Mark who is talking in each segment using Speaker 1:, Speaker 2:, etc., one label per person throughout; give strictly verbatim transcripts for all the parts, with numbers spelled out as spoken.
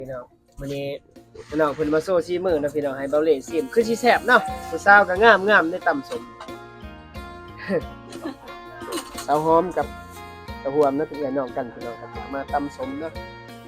Speaker 1: พี่น้องมื้อนี้พี่น้องเพิ่นมาโซ่ซีมือนะพี่น้องให้เบาเล่ซิมคือสิแซ่บเนาะผู้สาวก็งามๆได้ตำสม สาวหอมกับตะหวมนะเป็นพี่น้องกันพี่น้องครับมาตำสมเนาะ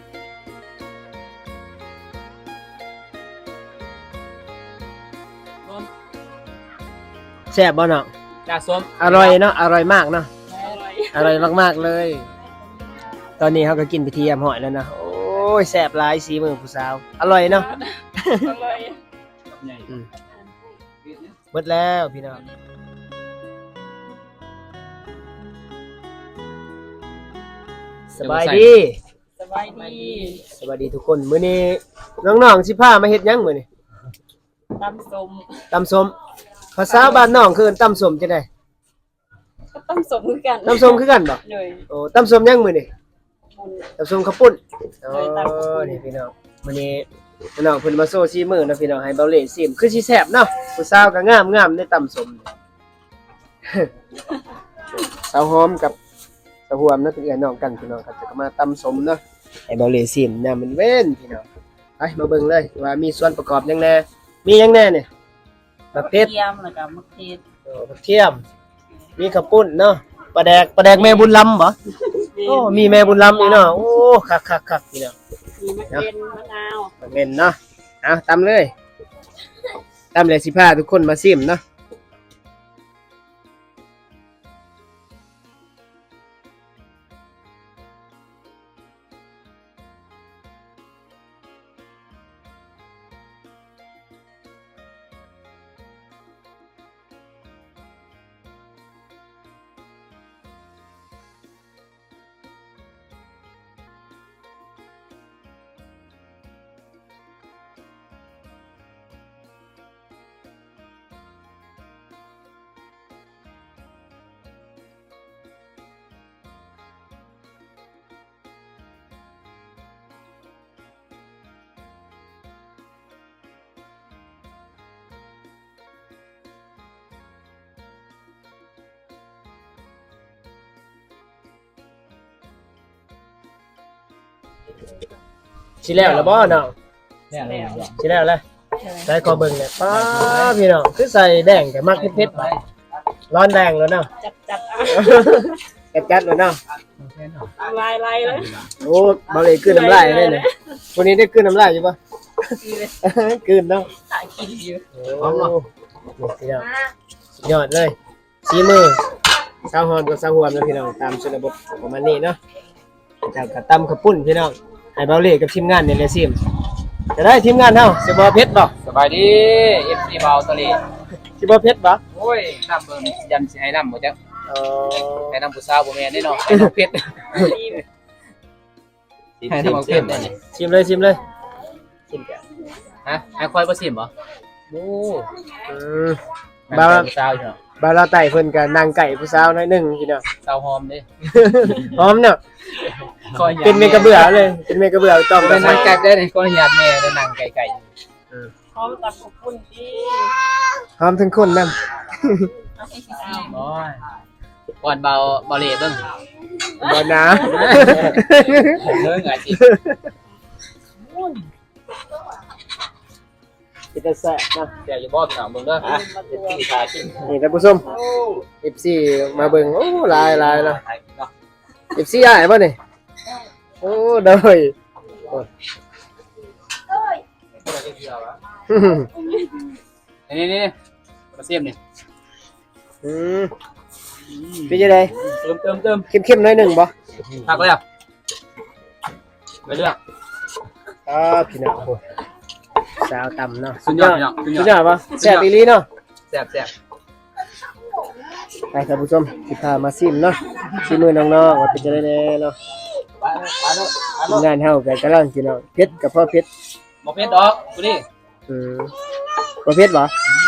Speaker 1: แซ่บบ่เนาะ
Speaker 2: จ้าส้ม
Speaker 1: อร่อยเนาะอร่อยมากเนาะ
Speaker 2: อร่อย
Speaker 1: อร่อยมากๆเลย ตอนนี้เขาก็กินไปทียมหอยแล้วนะโอ้ยแซ่บหลายสีมือผู้สาวอร่อยเนาะ
Speaker 2: อร่อย
Speaker 1: อืมหมดแล้วพี่น้องสบายดี
Speaker 2: สบายดี
Speaker 1: สวัสดีทุกคนมื้อนี้น้องๆสิพามาเฮ็ดหยังมื้อนี้
Speaker 2: ตำส้ม
Speaker 1: ตำส้มภาษาบ้านน้องคือตำส้มจังได๋
Speaker 2: ก็ตำส้มคือกัน
Speaker 1: ตำส้มคือกันบ่
Speaker 2: เลย
Speaker 1: โอ้ตำส้มหยังมื้อนี้
Speaker 2: บุญ
Speaker 1: ตำส้มข้าวปุ้นโอ้
Speaker 2: เลยตำข้าวปุ้น
Speaker 1: นี่พี่น้องมื้อนี้พี่น้องเพิ่นมาโซ่ซีมือนะพี่น้องให้เบาเล่ซิมคือสิแซ่บเนาะผู้สาวก็งามๆได้ตำส้ม สาวหอมกับสาวหวมนะเป็นพี่น้องกันพี่น้องครับจะมาตำส้มเนาะให้เบาเล่ซิมเนี่ยมันเว้นพี่น้องไปมาเบิ่งเลยว่ามีส่วนประกอบหยังแน่มีหยังแน่เนี่ยมะเขือ
Speaker 2: เทียมแล้วก็มะเขือ
Speaker 1: โอ้ผักเทียมมีข้าวปุ้นเนาะปลาแดกปลาแดกแม่บุญลำบ่โอ้มีแม่บุญลำนี่เนาะโอ้คักๆๆพี่น้อง
Speaker 2: มีมะเขือมะนาว
Speaker 1: เงินเนาะเอาตำเลยตำเลยสิพาทุกคนมาซิมเนาะสิแล้วแล้วบ่เนาะ
Speaker 2: แล้ว
Speaker 1: สิแล้วแล้วใส่ขอเบิ่งเนี่ยป้าพี่น้องคือใส่แดงแต่มักเผ็ดๆบ่ร้อนแดงแล้วเนาะ
Speaker 2: จัดจัดๆเอา
Speaker 1: จัดๆแล้วเนาะ
Speaker 2: ลายลายเลย
Speaker 1: โอ้บ่เลยกลืนน้ำลายเลยเนี่ยวันนี้ได้กลืนน้ำลายอยู่บ่
Speaker 2: ดีเลย
Speaker 1: กลืนเนาะ
Speaker 2: ถ่ายกินอยู่
Speaker 1: โอ้นี่พี่น้องสุดยอดเลยสีมือสาวฮอนกับสาวหวมนะพี่น้องตามชนบทประมาณนี้เนาะจากกระตำข้าวปุ้นพี่น้องให้เบาเล่กับทีมงานเนี่ยเลยซิมจะได้ทีมงานเฮาสิบ่เผ็ดบ่
Speaker 3: สบายดี เอฟ ซี เบาตะลี
Speaker 1: สิบ่เผ็ดบ่
Speaker 3: โอ้ยน้ำเบิ่งยันสิให้น้ำบ่จ๊ะ
Speaker 1: เออ
Speaker 3: ให้น้ำผู้สาวบ่แม่นได้เนาะให้น้ำเพชร
Speaker 2: รีบ
Speaker 3: ให้น้ำเพชรได้นี่
Speaker 1: ชิมเลยชิมเลยชิมกัน
Speaker 3: ฮะให้ค่อยบ่ซิมบ่
Speaker 1: โอ้อืม
Speaker 3: บ่า
Speaker 1: บ่าว
Speaker 3: ผู้สาวอยู่เนาะ
Speaker 1: บ่าวเราไต่เพิ่นก็นั่งไก่ผู้สาวหน่อยหนึงพี่น้อง
Speaker 3: สาวหอมเด้
Speaker 1: พร้อมเนาะ
Speaker 3: คอยหยาด
Speaker 1: เป็นเมกะเบื่อเลยเป็นเมกะเบื่อต้อง
Speaker 3: เป็นนางไก่ได้นี่คอยหยาดแม่ได้นางไก่ไก่
Speaker 2: พร้อมตำข้าวปุ้นที่
Speaker 1: พร้อมทั้งคนนำ
Speaker 2: เอาให้สิเอา
Speaker 3: โอ้ยก่อนเบาเบาเล่เบิ่ง
Speaker 1: บ่นะ
Speaker 3: เบิ่งอาจิ
Speaker 1: สิจะแซ่บนะ
Speaker 3: เดี๋ยวอยู่บ่พี่น้องเบิ่งเด้ออ่ะเฮ็ดที่ทากิน
Speaker 1: นี่ท่านผู้ชม เอฟ ซี มาเบิ่งโอ้หลายหลายเนาะ
Speaker 3: เนาะ
Speaker 1: เอฟ ซี อ้ายบ่นี่โอ้โดยโอ้ย
Speaker 3: นี่นี่ๆมาซิมนี่
Speaker 1: อืมเป็นจังได๋
Speaker 3: เติมเติมเติม
Speaker 1: เข้มๆหน่อยหนึงบ่
Speaker 3: พักแล้วไปเลือก
Speaker 1: อ่าพี่น้องโอ้สาวต่ำเนาะ
Speaker 3: สุดยอดพี่น้องสุดยอด
Speaker 1: สุดยอดบ่แซ่บอีหลีเนาะ
Speaker 3: แซ่บแซ่บ
Speaker 1: ไปท่านผู้ชมสิพามาซิมเนาะซิมือน้องๆว่าเป็นจังได๋แน่เนาะ
Speaker 3: ไปไปเนาะไป
Speaker 1: ทีม
Speaker 3: เนาะ
Speaker 1: งานเฮาก็กำลังพี่น้องเผ็ดกับพ่อเผ็ด
Speaker 3: บ่เผ็ดดอกกูนี่
Speaker 1: อืมบ่เผ็ดบ่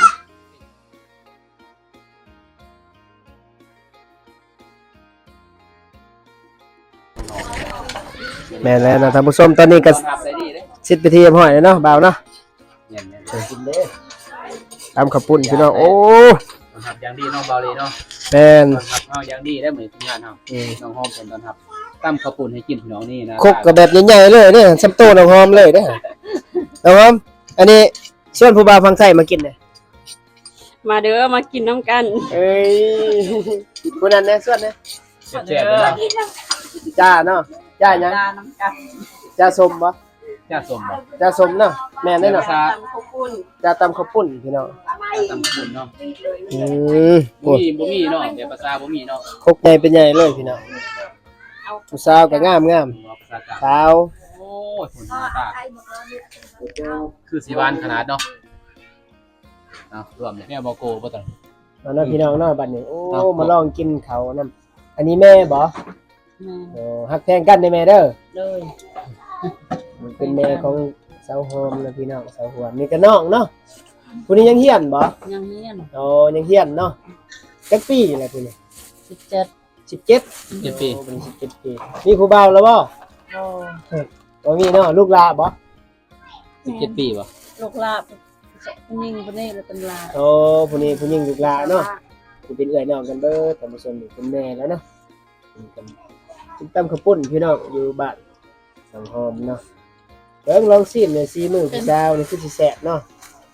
Speaker 1: แม่นแล้วเนาะท่านผู้ชมตอนนี้ก็
Speaker 3: ทำได้ดีเด้
Speaker 1: สิบไปทีเรียบร้อยแล้วเนาะบ่าวเนาะ
Speaker 3: เนี่ยเนี่ยกินเด้
Speaker 1: ตำข้าวปุ้นพี่น้องโอ้
Speaker 3: ตอนทับอย่างดีน้องเบาเลยเนาะ
Speaker 1: แม่น
Speaker 3: ตอนทับเฮาอย่างดีได้เหมือนทีมงานเฮา
Speaker 1: อืม
Speaker 3: น้องหอมเป็นตอนทับตั้มข้าวปุ้นให้กินพี่น้องนี่นะ
Speaker 1: คกก็แบบใหญ่ๆเลยเด้อซ้ำโตน้องหอมเลยเด้อน้องหอมอันนี้ส่วนผู้บ่าวฟังไทยมากินเด้อ
Speaker 2: มาเด้อมากินน้ำกัน
Speaker 1: เอ้ยผู้นั้นแน่ส่วนแน่
Speaker 3: แซ่บๆเลยนะ
Speaker 1: จ้าเนาะจ้าหยัง
Speaker 2: ดาน้ำกัน
Speaker 1: จ้าส้มบ่
Speaker 3: จ้าสมบ่
Speaker 1: จ้าส้มเนาะแม่นได้เนาะ
Speaker 2: ตำข้าวปุ้น
Speaker 1: จ้าตำข้าวปุ้นพี่น้อง
Speaker 3: จ้าตั้มข้าวปุ้นเนาะ
Speaker 1: อืม
Speaker 3: บ่
Speaker 1: โอ้ย
Speaker 3: มีบ่มีเนาะแบบภาษาบ่มีเนาะ
Speaker 1: คกใหญ่เป็นใหญ่เลยพี่น้องผู้สาวก็งามงาม
Speaker 3: ภาษากลาง
Speaker 1: ๆสาว
Speaker 3: โอ้ยผลหน้าตาคือสีหวานขนาดเนาะเอารวมเนี่ยแม่บ่โกบ่ต้อง
Speaker 1: เอาเนาะพี่น้องเนาะบัดนี้โอ้มาลองกินเขาวนำอันนี้แม่บ่โอ้ฮักแพงกันได้แม่เด้อ
Speaker 2: เลย
Speaker 1: มันเป็นแม่ของสาวหอมนะพี่น้องสาวหวมนี่ก็น้องเนาะผู้นี้ยังเฮียนบ่
Speaker 2: ยังเฮียน
Speaker 1: โอ้ยังเฮียนเนาะจักปีแหละพี่นี่
Speaker 2: สิบเจ็ด
Speaker 1: สิบเจ็ด
Speaker 3: เจ็ดปี
Speaker 1: โอ้เป็นสิบเจ็ดปีมีผู้บ่าวแล้วบ่
Speaker 2: โอ้
Speaker 1: บ่มีเนาะลูกหลานบ่
Speaker 3: สิบเจ็ดปีบ่
Speaker 2: ลูกลาบนิ่งปนี่เลยเป็นลา
Speaker 1: โอ้ผู้นี้ผู้หญิงลูกหลานเนาะสิเป็นเอื้อยน้องกันเบิดท่านผู้ชมนี่เป็นแม่แล้วเนาะเป็นกินตำข้าวปุ้นพี่น้องอยู่บ้านสังหอมเนาะเบิ่งลองชิมหน่อยสิมื้อผู้สาวนี่คือสิแซ่บเนาะ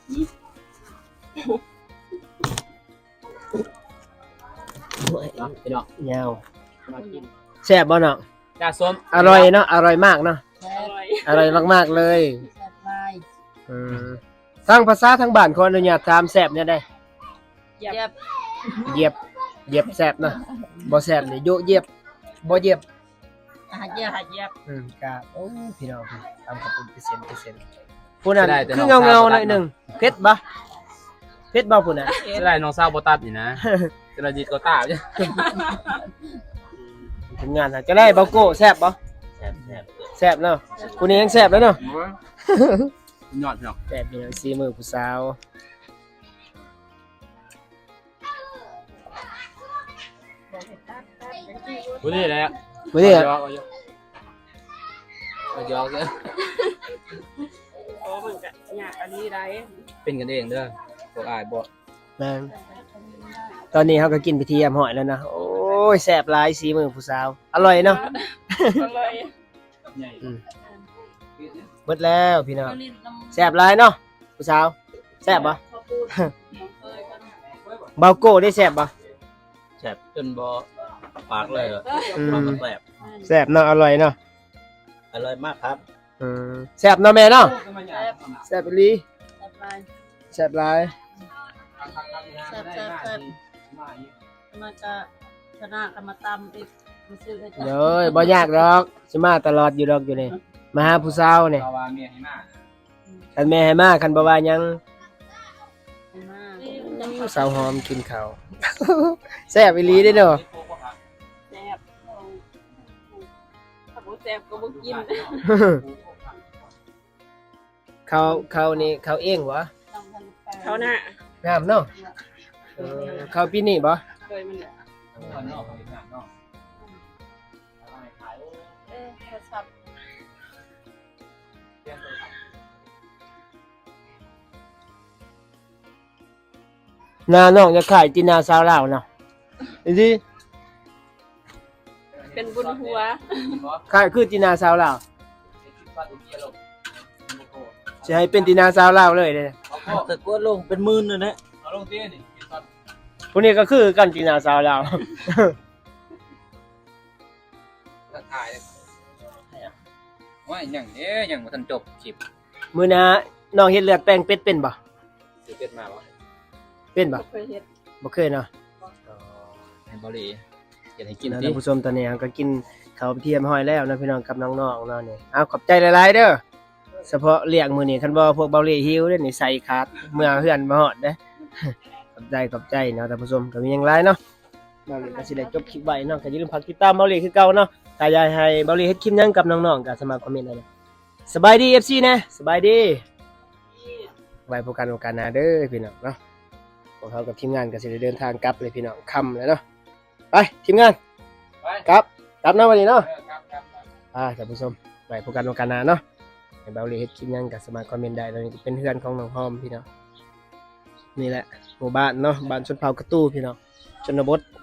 Speaker 1: โอ้ย
Speaker 3: เนาะพี่น้อง
Speaker 1: ยาว
Speaker 3: มากิน
Speaker 1: แซ่บบ่เนาะ
Speaker 3: จ้าส้ม
Speaker 1: อร่อยเนาะอร่อยมากเนาะ
Speaker 2: แซ่บ
Speaker 1: อร่อยมากๆเลย
Speaker 2: แซ่บลาย
Speaker 1: อืมทางภาษาทางบ้านขออนุญาตถามแซ่บเนี่ยได้
Speaker 2: เย็บ
Speaker 1: เหยียบเหยียบแซ่บเนาะบ่แซ่บนี่โยเหยียบบ่เหยียบ
Speaker 2: หาเย็บหาเย็บ
Speaker 1: อืมก็โอ้พี่น้องพี่ตามขอบคุณเปอร์เซ็นต์เปอร์เซ็นต์ผู้นั้นคือเงาๆหน่อยหนึงเผ็ดบ่เผ็ดบ่ผู้นั้น
Speaker 3: จะได้น้องสาวบ่ตัดนี่นะจะได้ดีกว่าตาจ้ะ
Speaker 1: ทำงานหาจะได้เบาโก้แซ่บบ่
Speaker 3: แซ่บแซ่บ
Speaker 1: แซ่บเนาะผู้นี้ยังแซ่บแล้วเนาะ
Speaker 3: ยอดพี่น้อง
Speaker 1: แซ่บพี่น้องสีมือผู้สาว
Speaker 3: บ่ได้แล้ว
Speaker 1: มื้อนี้
Speaker 3: ย
Speaker 1: อะ
Speaker 3: อกเอายอกเอายอกเด้อ
Speaker 2: โอ้มันก็ยากอันนี้ได้
Speaker 3: เป็นกันเองเด้อพวกอ้ายบ่
Speaker 1: แม่นตอนนี้เฮาก็กินไปเที่ยมหอยแล้วนะโอ้ยแซ่บหลายสีมือผู้สาวอร่อยเนาะ
Speaker 2: อร่อย
Speaker 3: ใหญ่
Speaker 1: อืมเบิดแล้วพี่น้อง
Speaker 2: ลิ้นน้ำ
Speaker 1: แซ่บหลายเนาะผู้สาวแซ่บบ่
Speaker 2: ข้าวปุ้นเคยกัน
Speaker 1: เบาโก้ได้แซ่บบ่
Speaker 3: แซ่บจนบ่ปากเลยเหรอ
Speaker 1: อืม
Speaker 3: แซ่บ
Speaker 1: แซ่บเนาะอร่อยเนาะ
Speaker 3: อร่อยมากครับ
Speaker 1: อืมแซ่บเนาะแม่เนาะ
Speaker 2: แซ่บ
Speaker 1: แซ่บอีหลี
Speaker 2: แซ่บลาย
Speaker 1: แซ่บหลาย
Speaker 2: แซ่บแซ่บแซ่บมันจะชนะกันมาตำอีกมาซื้อให้จ้ะ
Speaker 1: เด้อบ่ยากดอกสิมาตลอดอยู่ดอกอยู่นี่มาหาผู้สาวนี่
Speaker 3: เอาว่าเมียให้มา
Speaker 1: คันแม่ให้มาคันบ่ว่าหยัง
Speaker 2: มา
Speaker 1: สาวหอมกินข้าว แซ่บอีหลีเด้อเนาะ
Speaker 2: แซ่บถ้าบ่แซ่บก็บ่กิน
Speaker 1: เขาเขานี่เขาเองวะ
Speaker 2: เขาหน้าง
Speaker 1: ามเนาะเออเขาปีนี้บ่
Speaker 2: เคยมันแหละ
Speaker 3: คนนอกเขาเห็นหน้าเนาะ
Speaker 2: เอ๊ะโทรศัพท์
Speaker 1: หน้าน้องจะขายตินาสาวลาวเนาะดิ
Speaker 2: เป็นบุญหัว
Speaker 1: ขายคือตินาสาวลาวสิให้เป็นตินาสาวลาวเลยเด้อ
Speaker 3: แต่กวดลงเป็นหมื่นเลยนะเอาลงเตี้ยนี่
Speaker 1: ผู้นี้ก็คือกันตินาสาวลาว
Speaker 3: ก็ถ่ายว่าอย่างเอ๊ยอย่างมาทันจบคลิป
Speaker 1: มื้อหน้าน้องเฮ็ดเลือดแป้งเป็ดเป็นบ่
Speaker 3: สิเป็ดมาวะ
Speaker 1: เป็นบ่
Speaker 2: บ่เคยเฮ็ด
Speaker 1: บ่เคยเนาะ
Speaker 3: ให้บริอยากให้กิน
Speaker 1: ท่าน
Speaker 3: ที่
Speaker 1: ผู้ชมตอนนี้ก็กินข้าวเทียมห้อยแล้วนะพี่น้องกับน้องๆเนาะนี่เอาขอบใจหลายๆเด้อเฉพาะเลี้ยงมื้อนี้คันบ่พวกเบาเหล่หิวเด้อนี่ใส่ขาดเมื่อเฮือนมาฮอดเด้อ ขอบใจขอบใจเนาะท่านผู้ชมก็มีหยังหลายเนาะเบาเหล่ก็สิได้จบคลิปไว้เนาะก็อย่าลืมฝากติดตามเบาเหล่คือเก่าเนาะถ้าอยากให้เบาเหล่เฮ็ดคลิปหยังกับน้องๆก็สามารถคอมเมนต์ได้เลยสบายดี เอฟ ซี นะสบายดีไว้พบกันโอกาสหน้าเด้อพี่น้องเนาะพวกเขากับทีมงานก็สิได้เดินทางกลับเลยพี่น้องค่ำแล้วเนาะไปทีมงาน
Speaker 3: ไป
Speaker 1: กลับกลับเนาะวันนี้เนาะ
Speaker 3: ครับครับ
Speaker 1: อ่าท่านผู้ชมไปพบกันโอกาสหน้าเนาะให้เบาเหล่เฮ็ดคลิปหยังก็สามารถคอมเมนต์ได้ตอนนี้เป็นเพื่อนของน้องหอมพี่น้องนี่แหละหมู่บ้านเนาะบ้านชนเผ่ากระตู้พี่น้องชนบท